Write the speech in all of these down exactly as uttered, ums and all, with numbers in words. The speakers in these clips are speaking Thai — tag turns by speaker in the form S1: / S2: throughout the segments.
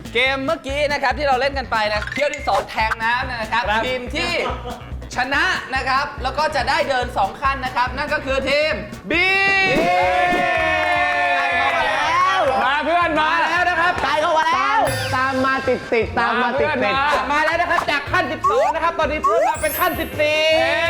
S1: เกมเมื่อกี้นะครับที่เราเล่นกันไปนะเที่ยวที่สองแทงน้ำนะครับทีมที่ชนะนะครับแล้วก็จะได้เดินสองขั้นนะครับนั่นก็คือทีม B
S2: มาเพื่อนมา
S1: แล้วนะครับ
S3: ตายเข้ามาแล้ว
S2: ตามมาติดติดตามมาติดติด
S1: มาแล้วนะครับจากขั้นสิบสองนะครับตอนนี้เพิ่มมาเป็นขั้นสิบสี่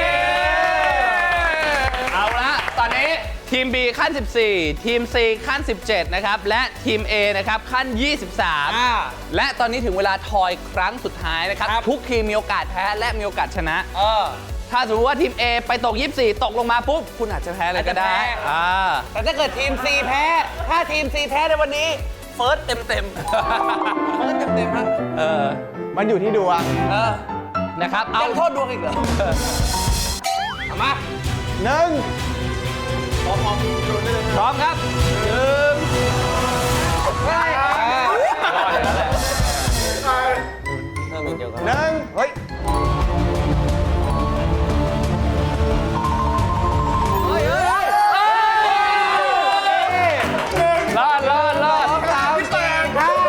S1: เอาละตอนนี้ทีม B ขั้นสิบสี่ทีม C ขั้นสิบเจ็ดนะครับและทีม A นะครับขั้นยี่สิบสามและตอนนี้ถึงเวลาทอยครั้งสุดท้ายนะครับทุกทีมมีโอกาสแพ้และมีโอกาสชนะถ้าสมมติว่าทีม A ไปตกยี่สิบสี่ตกลงมาปุ๊บคุณอาจจะแพ้เลยก็ได้อ่าแต่ถ้าเกิดทีม C แพ้ถ้าทีม C แพ้ในวันนี้เฟิร์สเต็มเต็มเฟิร์สเต็มเต็มครับเออ
S2: มันอยู่ที่ดวง
S1: เออนะครับเอาโทษดวงอีกเหรอเอามา
S2: หนึ่ง
S1: พร้อมครับหนึ่งไปรอดแล้วแหละเริ่มอีกเดียวกัน
S2: หนึ่งเฮ้ย
S1: เฮ้ยเฮ้ยรอดรอดรอดสามแปดห้า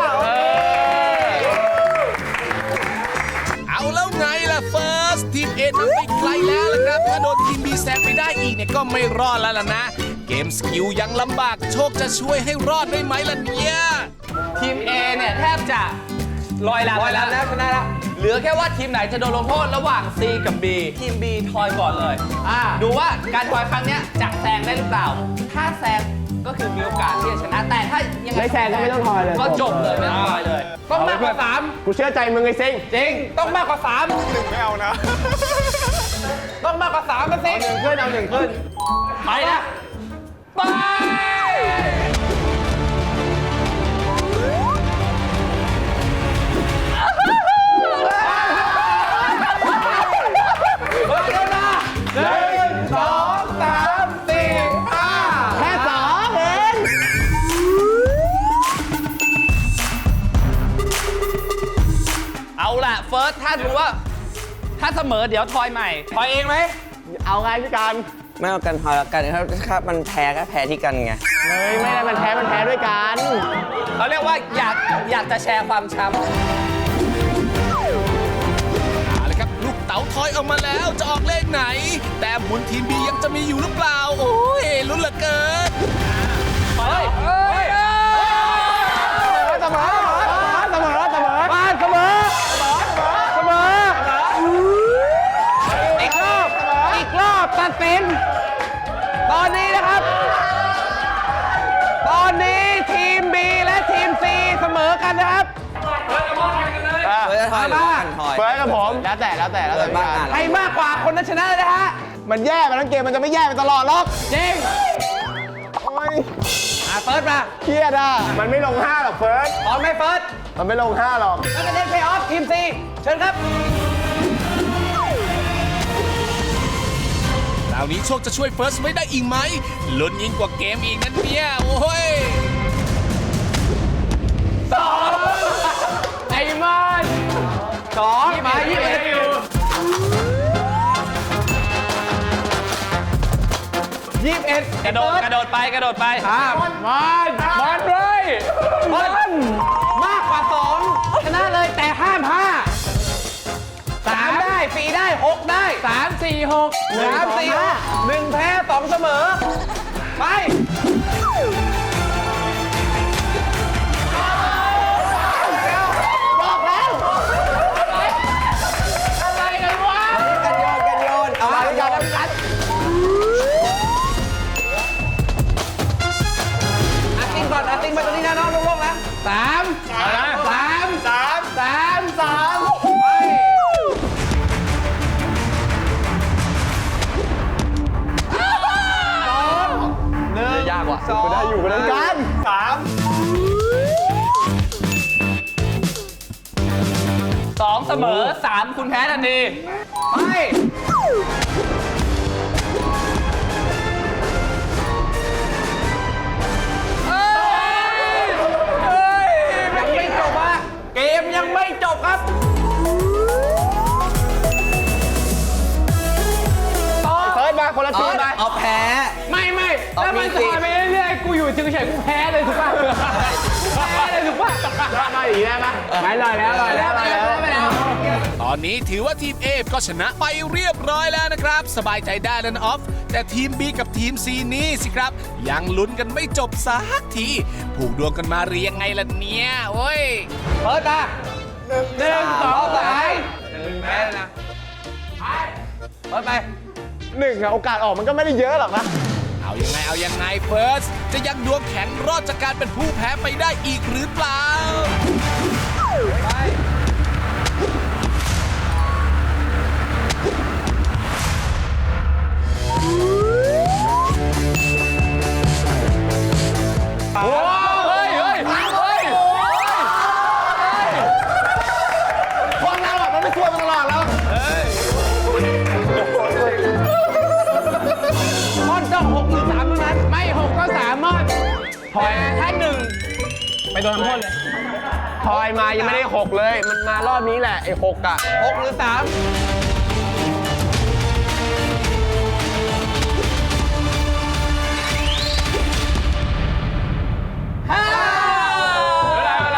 S4: เอาแล้วไงล่ะเฟิร์สทีมเอนำไปไกลแล้วล่ะครับถ้าโดนทีมบีแซงไปได้อีกเนี่ยก็ไม่รอดแล้วล่ะนะเกมสกิลยังลำบากโชคจะช่วยให้รอดได้ไหมล่ะเนี่ย
S1: ทีม A เนี่ยแทบจะลอยลำไปแล้วนะชนะแล้วเหลือแค่ว่าทีมไหนจะโดนลงโทษระหว่าง C กับ B ทีม B ทอยก่อนเลยดูว่าการทอยครั้งเนี้ยจะแซงได้หรือเปล่า ถ้าแซงก็คือมีโอกาสที่จะชนะแต่ถ้ายังไง
S2: ไม่แซงก็ไม่ต้องทอยเลย
S1: ก็จบเลยไม่ต้องทอยเลย ต้องมากกว่าสาม
S2: กูเชื่อใจมึงไอ้ซิง
S1: จริงต้องมากกว่าสาม
S2: หนึ่งไม่เอานะ
S1: ต้องมากกว่าสามนะสิ
S2: หนึ่งขึ้นเอาหนึ่งขึ้น
S1: ไปนะไป
S2: หนึ่งสองสามสี่ห้าแค่สองเอง
S1: เอาล่ะเฟิร์สถ้ารู้ว่า ถ้าเสมอเดี๋ยวทอยใหม่ทอยเองไหม
S2: เอาไงพี่การ
S3: ไม่เอากันพอแล้วกันครับถ้ามันแพ้ก็แพ้ที่กันไง
S2: เฮ้ยไม่ได้มันแพ้มันแพ้ด้วยกัน
S1: เขาเรียกว่าอยากอยากจะแชร์ความช้ำ
S4: เอาละครับลูกเต๋าทอยออกมาแล้วจะออกเลขไหน แต่หมุนทีมบียังจะมีอยู่หรือเปล่า โอ้ยลุ้นเหลือเกิน
S1: เฮ้ยเฮ้ย
S2: เสมอเสมอเสมอบ้านเสมอเสมอ
S1: อีกรอบอีกรอบตัดสินตอนนี้นะครับ ตอนนี้ทีม B และทีม C เสมอกันนะครับ
S3: เฟิร์สทอยหรือว่ากันทอย
S2: เฟิร์สกับผมแล้วแต่แล้วแต่แล้วแต่พี่การ
S1: ใครมากกว่าคนนั้นชนะเลยนะฮะ
S2: มันแย่มาทั้งเกมมันจะไม่แย่ไปตลอดหรอก
S1: จริง
S2: โอ้ย
S1: อ่ะเฟิร์สมา
S2: เครียดอ่ะมันไม่ลงห้าหรอกเฟิร์ส
S1: พร้อมไหมเฟิร์ส
S2: มันไม่ลงห้าหรอก
S1: แล้วก็เล่นเพย์ออฟทีม C เชิญครับ
S4: คราวนี้โชคจะช่วยเฟิร์สไว้ได้อีกไหมลุ้นยิ่งกว่าเกมอีกนั่นเนี่ย โอ้ย
S1: ไอ้มันสองมายี่สิบเอ็ดยี่สิบเอ็ดกระโดดกระโดดไปกระโดดไปมันมันมันเลยมันมากกว่าสองชนะเลยแต่ห้ามห้าสามได้สี่ได้หกได้สามสี่หกสามสี่หกหนึ่งแพ้สองเสมอไปอะไรกันวะ
S3: กันโยนกันโยนเอา
S1: เอา
S3: ไป
S1: ไป
S3: โย
S1: กัน
S3: น
S1: กันอาติ้งก่อนอาติ้งไปตรงนี้นะน้องลงๆนะสามสามสามสามสามไปสองหนึ่งยากว่ะ
S2: กูได้อยู่กันกันสาม
S1: สองเสมอสามคุณแพ้ทันทีไปเอ้ยเอ้ยยังไม่จบอ่ะเกมยังไม่จบครับต่อ
S2: เฟิร์สมาคนละทีมไป
S3: เอาแพ้
S1: ไม่ไม่
S3: เอา
S1: แล้วมัน
S3: มีสิ
S1: ถอยไปเรื่อยๆกูอยู่
S2: อยู่เฉยๆกูแพ้เลยถูกป่ะแพ้เลยถูกป่ะได้มาอีกได้ปะไม่ลอยแล้วลอยแล้วลอยแล้วไม่แล้ว
S4: ตอนนี้ถือว่าทีม A ก็ชนะไปเรียบร้อยแล้วนะครับ สบายใจได้แล้วนะออฟ แต่ทีม B กับทีม C นี่สิครับ ยังลุ้นกันไม่จบสักที ผูกดวงกันมาเรียงไงล่ะเนี่ยโอ้ย
S2: เปิดตาหนึ่งสองสามหนึ่งแพ้นะเปิดไปหนึ่งอะโอกาสออกมันก็ไม่ได้เยอะหรอกนะ
S4: เอายังไงเอายังไงเฟิร์สจะยังดวงแข็งรอดจากการเป็นผู้แพ้ไปได้อีกหรือเปล่า
S2: โอ้เฮ้ยเฮ้ยเฮ้ยคนเราอ่ะมันไม่ช่วยมันตลอดแล้วมอนต้องหกหรือสามเท่านั้นไม่หกก็สามมอนพอยถ้าหนึ่งไปโดนทำโทษเลยพอยมายังไม่ได้หกเลย มันมารอบนี้แหละไอ้หกอ่ะหกหรือสามห้าอะไรอะไร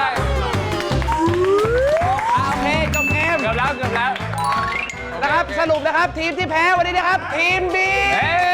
S2: โอเคจบเกมเกือบแล้วเกือบแล้วนะครับสรุปนะครับทีมที่แพ้วันนี้นะครับทีมบี